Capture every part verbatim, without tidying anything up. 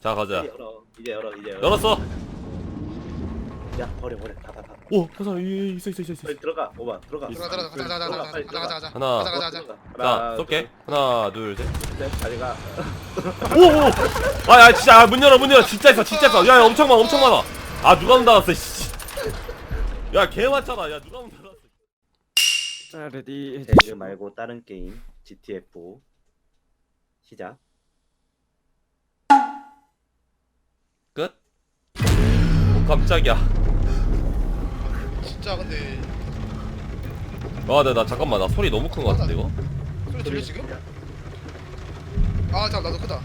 자 가자. 열어. 이제 열어. 이제 열어. 열었어. 야 버려 버려. 닫아 닫아. 오 가자. 이 있어 있어 있어 있어. 빨리 들어가. 오바 들어가. 들어가 들어가 가자 가자 가자 빨리 가자 가자 가자 하나. 가자 가자 가자. 자 쏠게. 하나 둘 셋. 셋. 빨리 가. 오오. 아야 진짜 아, 문 열어 문 열어. 진짜 있어 진짜 있어. 야, 야 엄청 많아 엄청 많아. 아 누가 문 닫았어. 씨. 야개 많잖아. 야 누가 문 닫았어. 자 레디 배그 말고 다른 게임 지티에프 시작. 끝. 오 깜짝이야. 진짜 근데 아, 나, 나 잠깐만 나 소리 너무 큰 거 같은데 이거? 소리 들려 지금? 아 잠깐 나도 크다.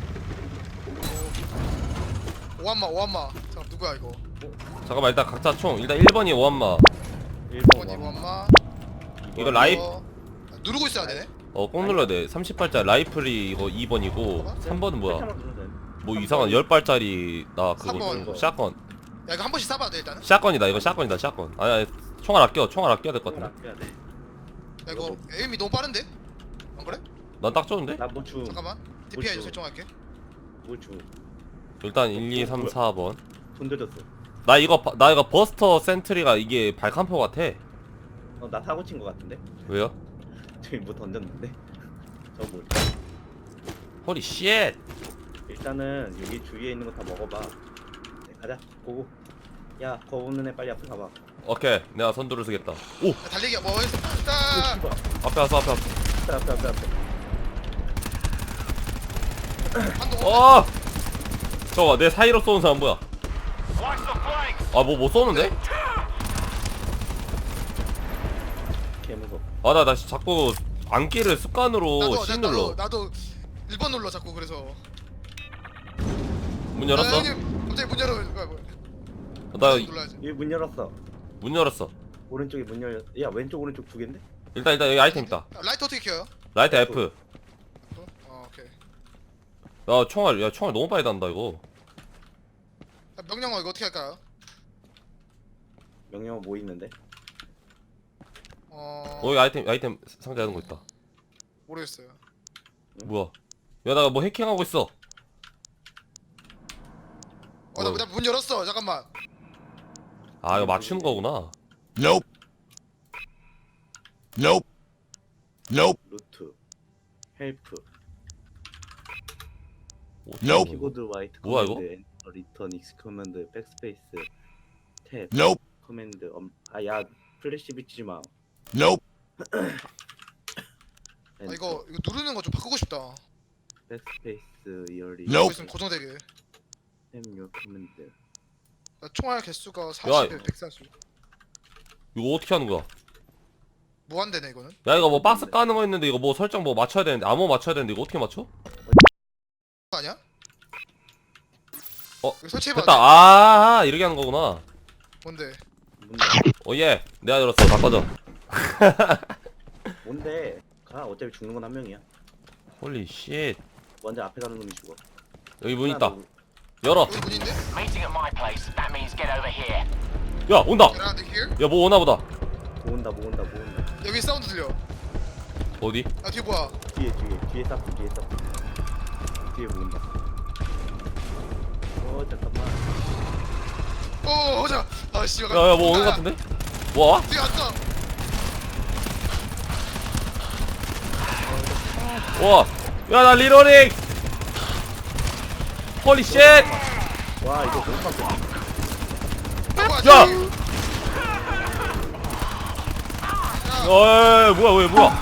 오, 오한마 오한마. 잠깐 누구야 이거? 잠깐만 일단 각자 총 일단 일 번이 오한마. 일 번이 오한마. 이거 라이프 어, 누르고 있어야 되네. 어 꼭 눌러야 돼. 삼십 발짜리 라이플이 이거 이 번이고 삼 번은 뭐야? 뭐 이상한 십 발짜리 나 삼 그거 번. 샷건. 야 이거 한 번씩 쏴봐야 돼 일단은. 샷건이다 이거 샷건이다 샷건. 아니 아니 총알 아껴 총알 아껴야 될 것 같은데. 야 이거 에임이 너무 빠른데? 안 그래? 난 딱 좋은데? 나뭐 주? 잠깐만. 디피아이 주? 설정할게. 뭐 주? 일단 일, 이, 삼, 사 번. 돈 들였어. 나 이거 바- 나 이거 버스터 센트리가 이게 발칸포 같아. 어, 나 사고 친 거 같은데? 왜요? 저기 뭐 던졌는데? 저 뭐? 호리 쉣. 일단은 여기 주위에 있는 거 다 먹어봐. 네, 가자. 고고. 야, 거우는 애 빨리 앞에 가봐. 오케이 내가 선두를 쓰겠다. 오 야, 달리기야 뭐 했어? 딱. 씨발. 앞에 왔어 앞에 왔어. 앞에 앞에 앞에 앞에. 한동. 어. 저거 내 사이로 쏘는 사람 뭐야? 아 뭐 못 쏘는데? 개 무서워. 아 나 나 자꾸 안기를 습관으로 나도 C 나도 눌러. 나도 일 번 눌러 자꾸 그래서. 문 열었어? 야, 형님, 갑자기 문 열어. 뭐야 뭐야. 나 눌러야지. 여기 문 열었어. 문 열었어. 오른쪽에 문 열렸. 야, 왼쪽 오른쪽 두 개인데? 일단 일단 여기 아이템 있다. 야, 라이트 어떻게 켜요? 라이트 F. 어, 어 오케이. 야 총알 야 총알 너무 빨리 단다 이거. 야, 명령어 이거 어떻게 할까요? 명령어 뭐 있는데? 어. 어 여기 아이템 아이템 상자 하는 거 있다. 모르겠어요. 뭐야? 야 나 뭐 해킹하고 있어. 어, 나 문 열었어. 잠깐만. 아 이거 맞추는 거구나. Nope. Nope. Nope. 루트. 헬프. 오, Nope. 키보드 와이트 뭐야, 이거? 커맨드 엔터 리턴 익스 커맨드 백스페이스 탭 Nope. 커맨드 엄 아야 플래시 비치지 마. Nope. 아 이거 이거 누르는 거 좀 바꾸고 싶다. 백스페이스 이어리 Nope. 이거 있으면 고정되게. 템요 커맨드 나 총알 개수가 야. 사십에 백사십. 이거 어떻게 하는 거야? 무한대네 이거는. 야 이거 뭐 박스 까는 거 있는데 이거 뭐 설정 뭐 맞춰야 되는데 암호 맞춰야 되는데 이거 어떻게 맞춰? 아니야? 어, 이거 설치해봐. 됐다. 아 이렇게 하는 거구나. 뭔데? 뭔데? 오예 내가 열었어. 다 꺼져. 뭔데? 가 어차피 죽는 건 한 명이야. 홀리 쉣. 먼저 앞에 가는 놈이 죽어. 여기 문 있다. 하나 열어. 여기 문인데? Meeting at my place. That means get over here. 야 온다. Get out of here. 야 뭐 오나 보다. 뭐 온다 뭐 온다 뭐 온다. 여기 사운드 들려. 어디? 아 뒤에 뭐야? 뒤에 뒤에 뒤에 싹 뒤에 싹 뒤에 뭐 온다. 어 잠깐만. 오 보자. 아 씨발. 야야 뭐 오는 거 같은데? 뭐 와? 뒤에 왔어. 와. 야 나 리로링. 홀리 쉣. 와 이거 너무 빡세. 야! 어이 뭐야 왜 뭐야?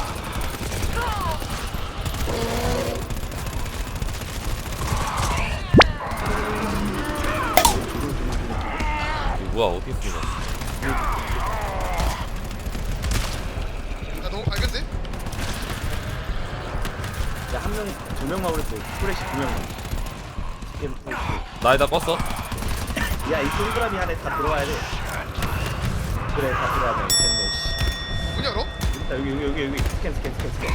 이거 뭐야 어떻게 쓰냐? 나 너무 밝은데? 야한 명 두 명만 그랬어. 프레시 두 명. 게임 프레시. 나 일단 껐어. 야이 동그라미 안에 다 들어와야 돼. 그래 다 들어와야 돼. 됐네. 씨. 문 열어? 자 여기 여기 여기 여기 스캔 스캔 스캔 스캔.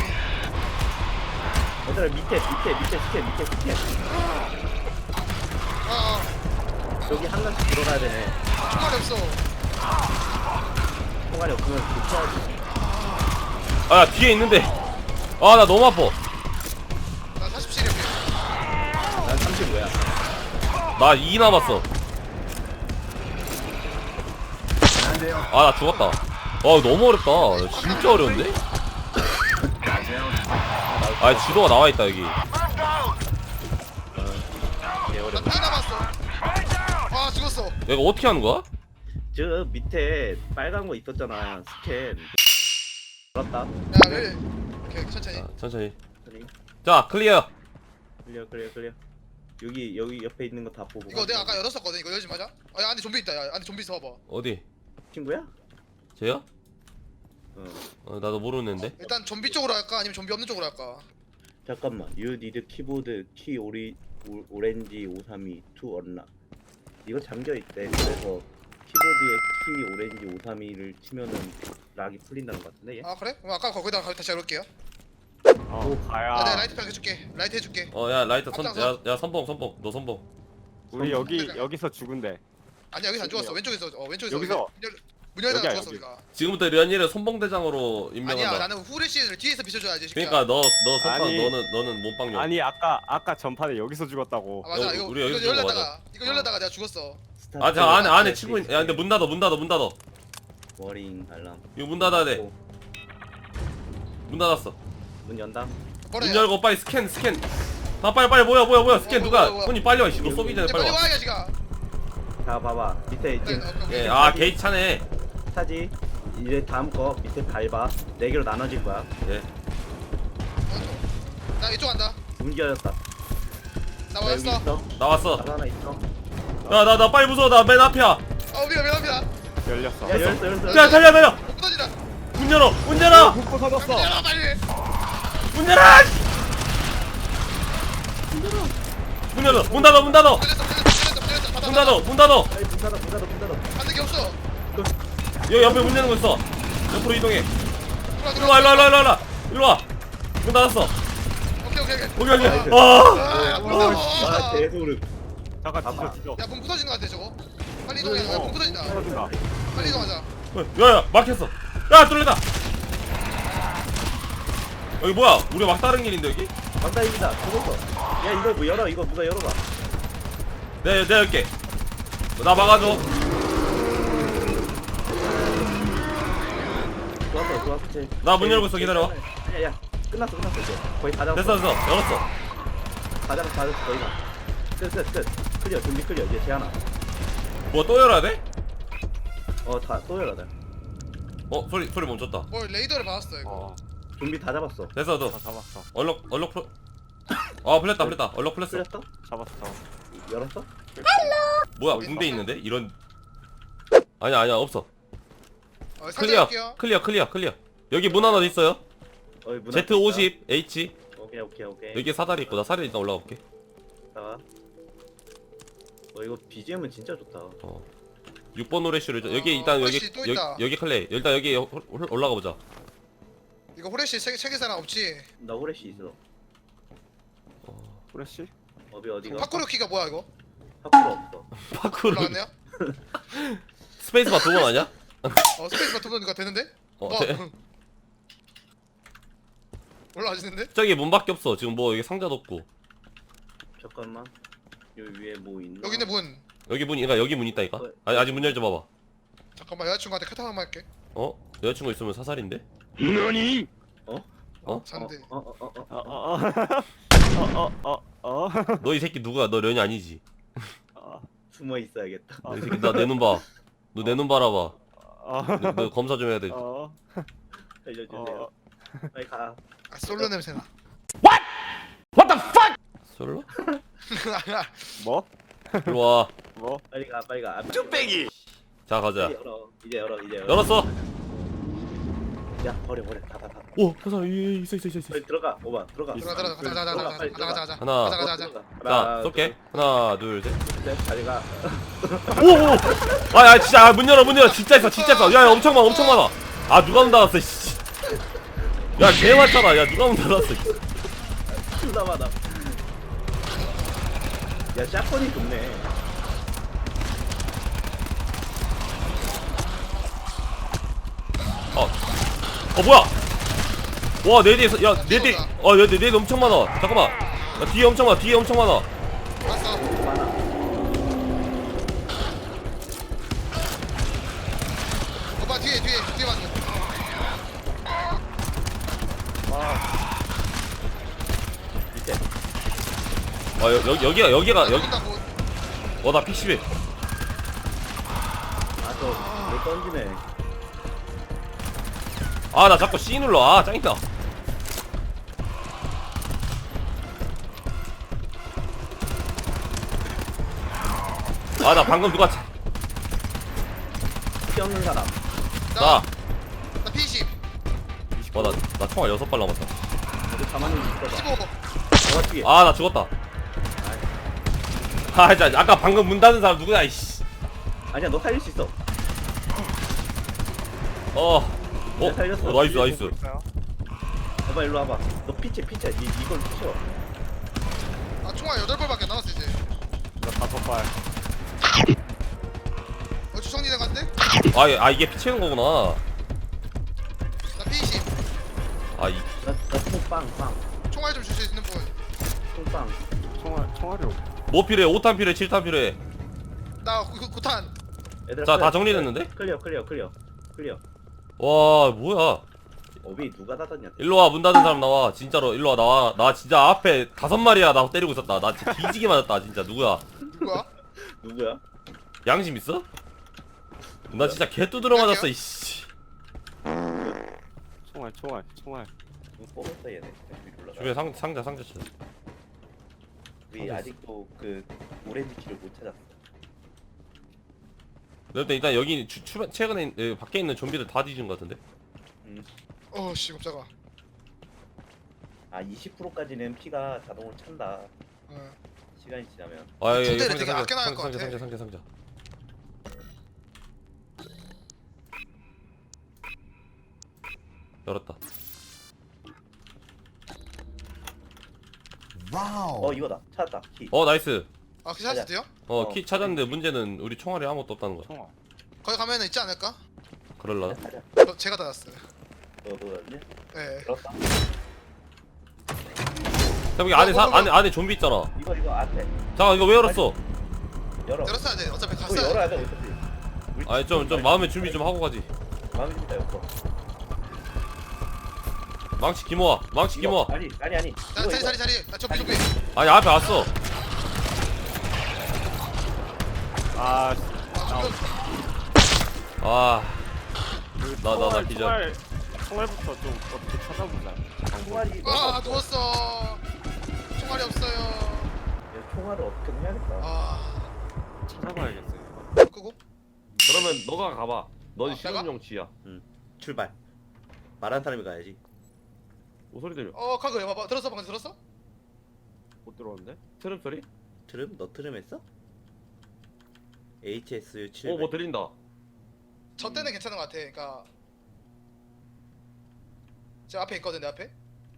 얘들아 밑에 밑에 밑에 스캔 밑에 스캔. 아, 아 여기 한 명씩 들어가야 되네. 총알이 없어. 통화리 없으면 붙여야지. 아 뒤에 있는데. 아 나 너무 아파. 나 사십칠이야. 난 삼십오야. 나 이 남았어. 아 나 죽었다. 아 너무 어렵다. 진짜 어려운데? 아 지도가 나와있다 여기. 나 피 남았어. 아 죽었어. 내가 어떻게 하는 거야? 저 밑에 빨간 거 있었잖아. 스캔. 알았다. 야 왜? 오케이 천천히. 자, 천천히. 그래 자 클리어. 그래 그래 그래. 여기 여기 옆에 있는 거 다 보고. 이거 내가 아까 열었었거든. 이거 열지 마자. 아 안에 좀비 있다. 야 안에 좀비 있어 봐봐. 어디? 친구야? 쟤야? 어. 어, 나도 모르는데. 일단 좀비 쪽으로 할까 아니면 좀비 없는 쪽으로 할까? 잠깐만. You need keyboard key 오리 오, 오렌지 오삼이 to unlock. 이거 잠겨 있대. 그래서 키보드에 키 오렌지 오삼이를 치면은 락이 풀린다는 것 같은데 얘? 아 그래? 그럼 아까 거기다 가- 다시 열을게요. 어 아, 내가 가야. 라이트 팩 해줄게. 라이트 해줄게. 어 야 라이터 선, 앞장서. 야, 야 선봉 선봉 너 선봉. 우리 여기 여기서 죽은데. 아니 여기서 안 죽었어. 왼쪽에서 어 왼쪽에서. 여기서. 문, 열, 문 열다가 여기야, 죽었어 여기. 우리가. 지금부터 련이를 선봉대장으로 아니야 임명한다. 나는 후레쉬를 뒤에서 비춰줘야지. 새끼야. 그러니까 너 너 선빵 아니. 너는 너는 몸빵용. 아니 아까 아까 전판에 여기서 죽었다고. 아 맞아 여- 이거 우리 이거 여기서 죽은 거 열렸다가 이거 열렸다가 내가 죽었어. 스타트 아 저 안에 안에 네, 친구 있... 네, 야 근데 문 닫아 문 닫아 문 닫아. 워링 알람. 이거 문 닫아야 돼. 어, 문 닫았어. 문 연다. 뭐래? 문 열고 빨리 스캔 스캔. 아 빨리 빨리 뭐야 뭐야 뭐야 스캔 어, 누가? 뭐야, 뭐야. 손이 빨리 와. 씨, 너 쏘기 전에 이제 빨리 빨리 와. 와야 지가. 자 봐봐 밑에 네, 지금 오케이, 오케이. 예, 아 게이트 차네. 차지. 이제 다음 거 밑에 밟아. 네 개로 나눠질 거야. 예. 나 이쪽 간다. 문 열렸다. 나 나 여기 왔어. 있어. 나왔어. 나도 하나 있어. 야 나 나 빨리 무서워 나 맨 앞이야. 어 미안 미안 미안. 열렸어. 야 열었어 열었어. 야 달려 달려. 못 부서지다. 문 열어 문 열어 훅 터졌어. 열어 빨리. 문 열어. 문 열어 문 닫아 문 닫아 열렸어 열렸어 열렸어 열렸어. 문 닫아 문 닫아. 아이 문 닫아 문 닫아 문 닫아. 받는 게 없어. 여기 옆에 문 여는 거 있어. 옆으로 이동해. 들어와 일로 와 일로 와 일로 와 일로 와 일로 와. 문 닫았어. 오케이 오케이 오케이. 여기 여기. 아. 아, 문 아 닫아. 대소름. 잠깐 봐봐. 뒤져 뒤져. 야, 문 부서지는 거 같아 저거. 빨리 이동해. 야, 문 부서진다. 터진다. 빨리 이동하자. 야야 막혔어. 야 뚫렸다. 여기 뭐야? 우리 막 다른 길인데 여기? 맞다입니다. 죽었어. 야 이거 뭐 열어 이거 누가 열어봐. 내 내가 열게. 나 막아줘. 좋았어 좋았어. 쟤. 나문 쟤- 열고 있어, 기다려봐. 아니야 야 끝났어 끝났어 이제. 거의 다 잡았어. 됐어 됐어 열었어. 다 잡았어 다 잡았어 거의 다. 끝끝 끝. 클리어 준비 클리어 이제 쟤 하나. 뭐 또 열어야 돼? 어다 또 열어야 돼. 어 소리 소리 멈췄다. 어 레이더를 받았어 이거. 어. 준비 다 잡았어. 됐어 너 다 잡았어. 얼럭 얼럭 풀. 아 풀렸다 풀렸다 얼럭 풀렸어. 풀렸어? 잡았어. 잡았어. 열었어? 뭐야 붕대 있는데 이런. 아니야 아니야 없어. 어, 살짝 클리어 할게요. 클리어 클리어 클리어. 여기 문 하나 있어요. 어이 문 Z 오십 H. 오케이 오케이 오케이. 여기 사다리 있고 나 사다리 일단 올라가 볼게. 어 이거 비지엠은 진짜 좋다. 어. 육 번 노래쇼를 줘. 어, 여기 일단 여기 후레쉬 또 여기, 있다. 여기 클레이. 일단 여기 홀- 홀- 올라가 보자. 이거 호레시 세, 세계 사람 없지? 나 후레쉬 있어. 프레시? 어비 어디가? 파쿠르 키가 뭐야 이거? 파쿠르 없어. 파쿠르. 올라왔네요? 스페이스바 두 번 아니야? 어 스페이스바 두번니까 되는데? 어, 와, 돼. 올라와지는데? 저기 문밖에 없어. 지금 뭐 여기 상자도 없고. 잠깐만. 여기 위에 뭐 있나? 여기 있네 문. 여기 문이 그러니까 여기 문 있다니까. 어. 아니 아직 문 열지 봐봐. 잠깐만 여자친구한테 카톡 한번 할게. 어? 여자친구 있으면 사살인데? 너니? 어? 어? 잔대. 어? 어? 어? 어? 어어어. 어어어. 어. 너 이 새끼 누구야? 너 련이 아니지? 어. 숨어 있어야겠다. 너 이 새끼 나 내 눈 봐. 너 내 눈 바라봐. 어. 너, 너 검사 좀 해야 돼. 어. 알려주세요. 어. 빨리 가. 아 솔로 냄새나. 솔로? 뭐? 일로 와. 뭐? 빨리 가. 빨리 가. 뚝배기. 자 가자. 이제 열어. 이제 열어. 이제 열어. 열었어. 야 버려 버려. 다 다 다. 오, 그 사람 이 있어 있어 있어 있어. 빨리 들어가. 오바 들어가. 들어가 들어가 가자 가자 가자 빨리 가자 가자 가자 하나. 가자 가자 가자. 자, 쏠게. 하나, 둘, 셋. 셋. 빨리 가. 오, 오. 아, 야, 진짜 아, 문 열어, 문 열어. 진짜 있어, 진짜 있어. 야, 야, 엄청 많아, 엄청 많아. 아, 누가 문 닫았어, 씨. 야, 개 많잖아. 야, 누가 문 닫았어. 존나 많아. 야 샷건이 좋네. 어, 어 뭐야? 와, 내 뒤에서, 야, 내 뒤, 어, 내 뒤, 내 뒤 엄청 많아. 잠깐만. 야, 뒤에 엄청 많아, 뒤에 엄청 많아. 왔어. 많아. 여, 여, 여기가 여기가 여기. 쏜다, 곧. 어나 픽십이. 아저뭘 던지네. 아 나 자꾸 C 눌러. 아 짱이다. 아 나 방금 누가 차... 피 없는 사람. 나. 나 피이십. 어나 나 총알 여섯 발 남았다. 어디 가만히 있어봐. 십오. 너가 뒤에. 아 나 죽었다. 아 진짜 아까 방금 문 닫은 사람 누구야 이씨. 아니야 너 살릴 수 있어. 어. 어, 살렸어. 어 나이스 나이스. 봐봐 일로 와봐. 너 피치 피치. 이 이걸 피쳐. 아 총알 여덟 발밖에 안 남았어 이제. 나 다섯 발. 어 주성진에 간대? 아, 이- 아 이게 피치는 거구나. 나 피이십. 아 이. 나나 총빵 빵. 총알 좀 줄 수 있는 분. 총빵. 총알 총알이 없. 뭐 필요해? 오 탄 필요해? 칠 탄 필요해? 나 구, 구, 구탄. 얘들아, 자, 클리어, 다 정리됐는데? 클리어 클리어 클리어 클리어. 와 뭐야? 어비 누가 닫았냐? 일로 와 문 닫은 사람 나와. 진짜로 일로 와 나와. 나 진짜 앞에 다섯 마리야 나 때리고 있었다. 나 진짜 뒤지게 맞았다 진짜. 누구야? 누구야? 누구야? 양심 있어? 나 진짜 개 두드려 맞았어 이씨. 총알 총알 총알. 누구 뽑았어 얘네. 위로 올라가. 주변에 상 상자 상자 쳐. 우리 아직도 그 오렌지 키를 못 찾았어. 일단 일단 여기 추, 추, 최근에 있- 여기 밖에 있는 좀비들 다 뒤진 것 같은데? 음. 어씨 깜짝아. 아 이십 퍼센트까지는 피가 자동으로 찬다. 어. 시간이 지나면. 아 여기 군대를 상자 되게 상자 아껴 나갈 상자 것 상자 같아. 상자 상자 상자. 열었다. Wow. 어 이거다. 찾았다. 키. 어 나이스. 아 그 찾을 돼요? 어 어. 키 찾았는데 문제는 우리 총알이 아무것도 없다는 거야. 총알. 거기 가면은 있지 않을까? 그럴라나? 가자. 저, 제가 닫았어요. 너도 왔냐? 네. 들었다. 여기 안에 사, 뭐, 뭐, 뭐. 안에 안에 좀비 있잖아. 이거 이거 앞에 잠깐 이거 왜 열었어? 열어. 열었어야 돼. 어차피 이거 갔어야 열어야 돼. 돼 어차피. 우리 아니 좀 좀 마음의 준비 좀 하고 가지. 마음이 좀 따였어. 망치 기모아. 망치 기모아. 아니 아니 아니. 자, 이거, 자리 이거. 자리 자리. 나 접비 접비. 아니 앞에 왔어. 아. 씨. 아 접비. 아. 그 나, 나, 나 총알, 기절. 총알 총알부터 좀 어떻게 찾아보자. 총알이. 아 누웠어. 총알이 없어요. 야, 총알을 어떻게든 해야겠다. 아 찾아봐야겠어요. 끄고. 그러면 너가 가봐. 넌 아, 실험용 쥐야. 출발. 말한 사람이 가야지. 뭐 소리 들려? 어 카그 봐봐. 들었어 방금 들었어? 못 들어오는데? 트름 소리? 트름? 너 트름 했어? 에이치에스 칠. 어 뭐 들린다. 저 때는 괜찮은 것 같아. 그러니까 저 앞에 있거든 내 앞에.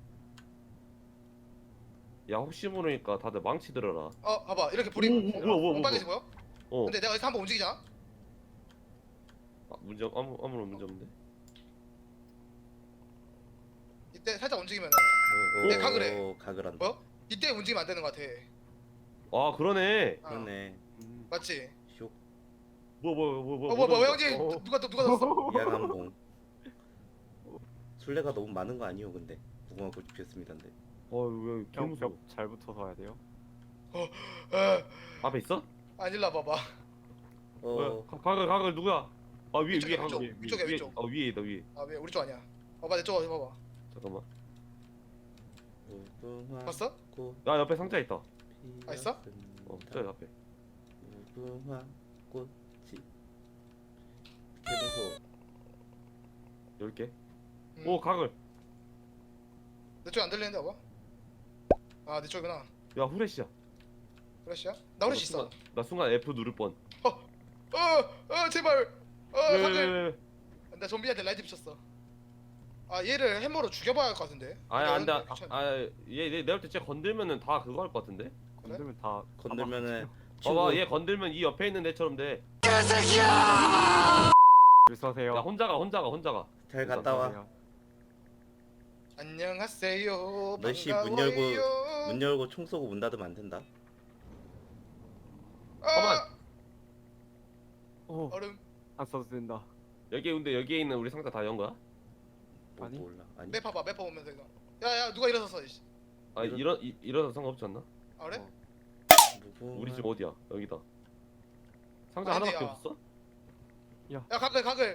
야 혹시 모르니까 다들 망치 들어라. 어 봐봐 이렇게 불이 오, 오, 뭐야, 뭐야, 뭐야. 빨개진 거야? 어. 근데 내가 여기서 한번 움직이잖아. 아, 문제 아무 아무런 문제 없는데. 이때 살짝 움직이면 어, 어, 네, 가그래. 어, 가그란다. 뭐? 이때 움직이면 안 되는 것 같아. 아 그러네. 어, 그러네. 음. 맞지? 쇼. 뭐 뭐 뭐 뭐. 어, 뭐, 뭐, 뭐 형제 어. 누가 누가 넣었어? 이하강봉. 술래가 너무 많은 거 아니오 근데. 무궁화 꽃이 피었습니다인데. 어왜 개무서워. 벽잘 붙어서 와야 돼요. 어, 앞에 있어? 아닐라 봐봐. 어. 어. 가글 가글 누구야? 아 위에 위쪽이야, 위에 위쪽. 가글. 위쪽이야, 위에, 위쪽. 어 위에 있다 위에. 아 왜 우리 쪽 아니야? 봐봐 내 쪽 봐봐. 잠깐만. 무궁화 봤어? 꽃 야 옆에 상자 있다. 아, 있어? 어 저기 앞에. 무궁화 꽃이. 개무서워. 열 개. 음. 오 가글. 내 쪽 안 들리는데 봐봐. 아 내 쪽이구나. 야 후레쉬야. 후레쉬야? 나 후레쉬 있어. 순간, 나 순간 F 누를 뻔. 어, 어 제발. 어 왜, 사글. 왜, 왜. 나 좀비한테 라이트 붙였어. 아 얘를 해머로 죽여봐야 할 것 같은데. 아니 안돼. 근데 괜찮- 아얘 내가 볼때 진짜 건들면은 다 그거 할 것 같은데. 건들면 다 건들면은 봐봐 얘 건들면 이 옆에 있는 애처럼 돼. 줄 서세요. 야 혼자가 혼자가 혼자가. 잘 갔다 와. 서세요. 안녕하세요. 너씨 문 반가워요. 열고 문 열고 총 쏘고 문 닫으면 안 된다. 아, 가만. 어, 얼음. 안 써도 된다. 여기 근데 여기에 있는 우리 상자 다 연 거야? 뭐, 아니? 몰라. 아니. 맵 봐봐 맵 보면서 이거. 야야 누가 일어섰어. 이씨. 아 이런- 이런 이- 이러서 상관없지 않나? 아 그래? 어. 우리 집 어디야? 여기다. 상자 어디야? 하나밖에 없어? 야 가글 가글.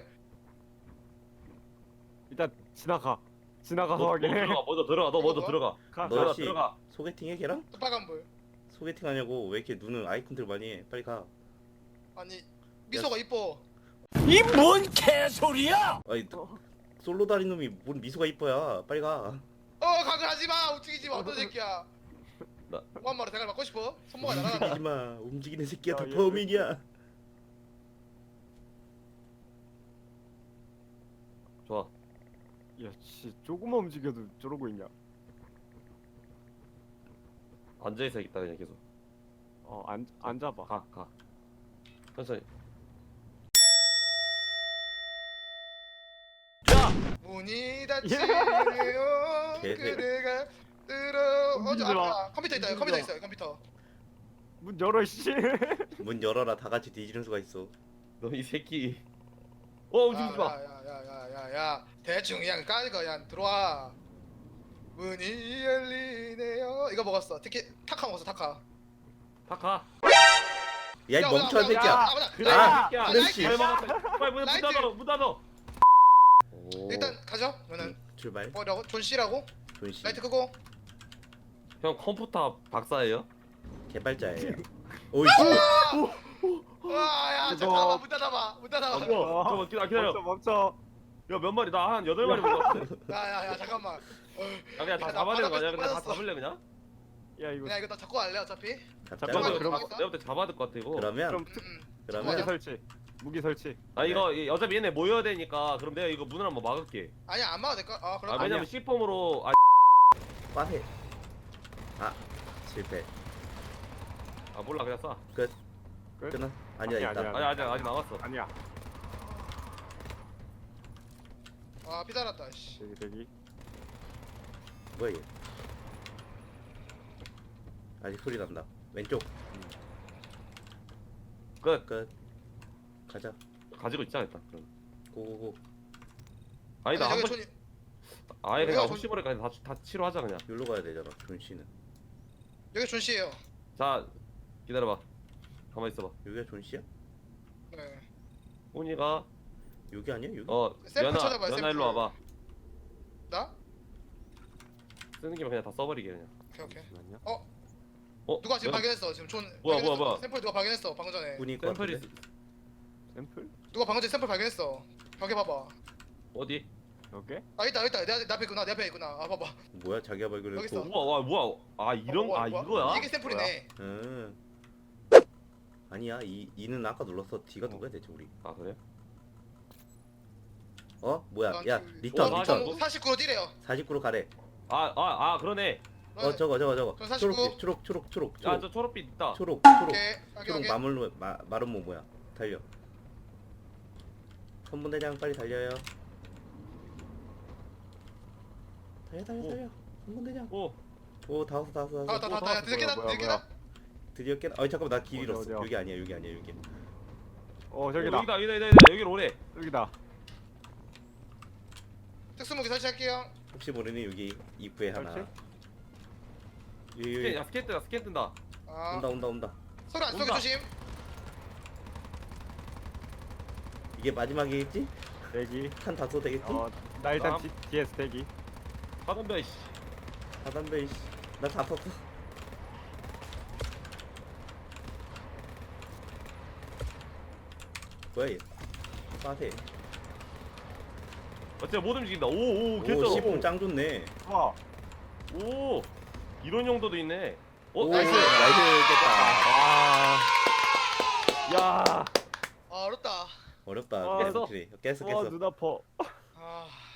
일단 지나가. 지나가서 너, 너 확인해. 들어가. 먼저 들어가. 너 먼저 뭐? 들어가. 가. 너 들어가 씨. 들어가. 소개팅해 걔랑? 빨간 불. 소개팅 하냐고 왜 이렇게 눈을 아이 컨트롤 많이 해? 빨리 가. 아니 미소가 이뻐. 이 뭔 개소리야! 아니 솔로 다린 놈이 뭔 미소가 이뻐야. 빨리 가. 어 가글 하지 마. 움직이지 마. 어떤 새끼야. 나- 무한마로 대가리 맞고 싶어? 손모가 날아간다. 움직이지 마. 움직이는 새끼가 야, 다 얘 범인이야. 좋아. 야, 씨, 조금만 움직여도 저러고 있냐? 앉아 있어 있다 그냥 계속. 어, 안 앉아봐. 가 가. 천천히. 문이 닫히네요. 개새. 그대가 들어. 어, 저 움직이지 마. 앞에 컴퓨터 있다. 컴퓨터 움직이지 마. 있어요. 컴퓨터. 문 열어, 씨. 문 열어라. 다 같이 뒤지는 수가 있어. 너 이 새끼. 어 움직이지 마. 야야야야야야. 대충 그냥 까니까 그냥 들어와. 문이 열리네요. 이거 먹었어. 티켓 타카 먹었어. 타카. 다 가. 야 이 야, 멍청한 야, 새끼야. 야, 야, 그래 야, 이 새끼야. 아, 그렇지. 잘 먹었다. 빨리 문, 문 라이트. 닫아. 문 닫아. 오. 일단 가죠. 그러면 출발. 뭐라고? 존 C라고? 존씨 라이트 끄고. 형 컴퓨터 박사예요? 개발자예요. 오이. 와야 그거- 잠깐만 문 닫아봐. 문 닫아봐. 어. 잠깐만 기다려. 기다려. 멈춰, 멈춰. 야 몇 마리? 나 한 여덟 마리 먹었어. 야야야 잠깐만. 어, 야 그냥 다 나 잡아야 되는 거 아니야? 바닥에 그냥 다 빠졌어. 잡을래 그냥? 야, 이거 그냥 이거 나 잡고 갈래 어차피. 잡자. 잠깐만, 내가 들어가. 볼 때- 내가 볼 때 잡아야 될 것 같아 이거. 그러면 그럼 음, 음. 무기 그러면 잠깐만요. 설치. 무기 설치. 아 이거 이- 어차피 얘네 모여야 되니까 그럼 내가 이거 문을 한번 막을게. 아니야 안 막아도 될까? 아 그럼. 아 왜냐면 C폼으로 아, 빠세. 아 실패. 아 몰라 그냥 쏴. 끝? 끝나? 아니야 아니야, 있다. 아니야. 아니 아직 아직 남았어. 아니야. 아 피달았다. 씨. 대기, 대기. 뭐야 얘? 아직 소리 난다. 왼쪽 끝. 끝. 가자. 가지고 있자 일단. 그럼. 고고고. 아니다 아니, 한 저기 번. 존이- 아예 왜요? 그냥 저- 혹시 모르니까 다, 다 치료하자 그냥. 여기로 가야 되잖아. 존 씨는. 여기 존 C예요. 자 기다려봐. 가만 있어봐. 여기가 존 씨야? 네. 훈이가 여기 아니야 여기? 어 샘플 연아 찾아봐요, 연아 샘플. 일로 와봐. 나? 쓰는 김에 그냥 다 써버리게 그냥. 오케이 오케이. 잠시만요. 어 누가 지금 연아- 발견했어? 지금 존. 뭐야, 발견했어. 뭐야, 뭐야. 샘플 누가 발견했어? 방금 전에. 분이 것 샘플이 같은데? 샘플? 누가 방금 전에 샘플 발견했어? 벽에 봐봐. 어디? 여기? 아 있다 있다 내, 내 앞에 있구나 내 앞에 있구나. 아 봐봐. 뭐야 자기가 여기 있어. 발견했고. 우와 와 뭐야? 아 이런 어, 뭐야, 아 뭐야? 이거야? 이게 샘플이네. 응. 아니야 이 이는 아까 눌렀어. D가 누구야 대체 우리? 아 그래? 어 뭐야? 아, 야 그- 리턴 어, 리턴. 맞아. 사십구로 뛰래요. 사십구로 가래. 아 아 아 그러네. 어 저거 저거 저거. 그럼 사십구. 초록 초록 초록 초록 야 초록 저 초록빛 있다. 초록 초록 오케이. 확인 초록 확인. 마물로 마 마름모 뭐야? 달려. 선분대장 빨리 달려요. 달려 달려 오. 달려. 선분대장. 오 오다 왔어 다 왔어 다 왔어. 아다다다 뭐야, 늦게 나 뭐야, 늦게 뭐야. 나. 드디어 깨. 어 잠깐만 나 길 어디야, 잃었어. 어디야? 여기 아니야 여기 아니야 여기. 어, 어, 저기다. 여기다 여기다 여기다 여기로 오래. 여기다. 특수무기 설치할게요. 혹시 모르니 여기 입구에 하나. 설치? 여기 스캔, 여기 야 스캔 뜬다 스캔 뜬다. 아 온다 온다 온다. 소리 안 쏘게 온다. 조심. 이게 마지막이겠지? 대기. 한 다소 되겠지? 어, 나 일단 다음. D, 디에스 대기. 사돈배 씨. 사단배 이씨. 나다 탔어. 뭐야 얘? 빠세. 어째 못 움직인다. 오오 오 개쩔어. 시봉 짱 좋네. 와. 오 이런 용도도 있네. 어 오 나이스. 나이스 깼다. 아. 야. 아 어렵다. 어렵다. 아, 깼어. 깼어 와, 깼어. 눈 아파. 아